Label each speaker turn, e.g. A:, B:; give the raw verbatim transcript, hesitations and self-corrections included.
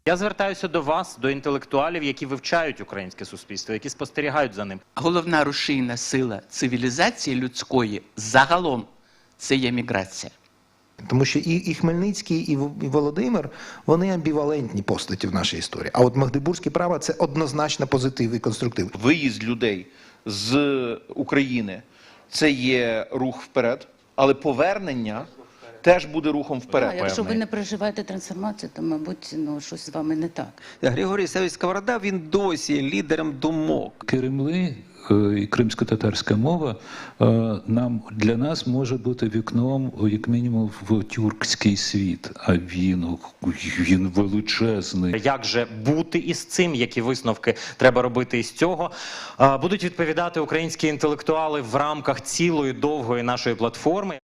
A: Я звертаюся до вас, до інтелектуалів, які вивчають українське суспільство, які спостерігають за ним.
B: Головна рушійна сила цивілізації людської загалом – це є міграція.
C: Тому що і, і Хмельницький, і Володимир, вони амбівалентні постаті в нашій історії. А от Магдебурзьке право – це однозначно позитив і конструктив.
D: Виїзд людей з України – це є рух вперед, але повернення теж буде рухом вперед.
E: А якщо ви не переживаєте трансформацію, то, мабуть, ну, щось з вами не так.
F: Григорій Савич Сковорода, він досі є лідером думок.
G: Кремли і кримсько-татарська мова нам, для нас може бути вікном, як мінімум, в тюркський світ. А він, він величезний.
A: Як же бути із цим, які висновки треба робити із цього, будуть відповідати українські інтелектуали в рамках цілої довгої нашої платформи.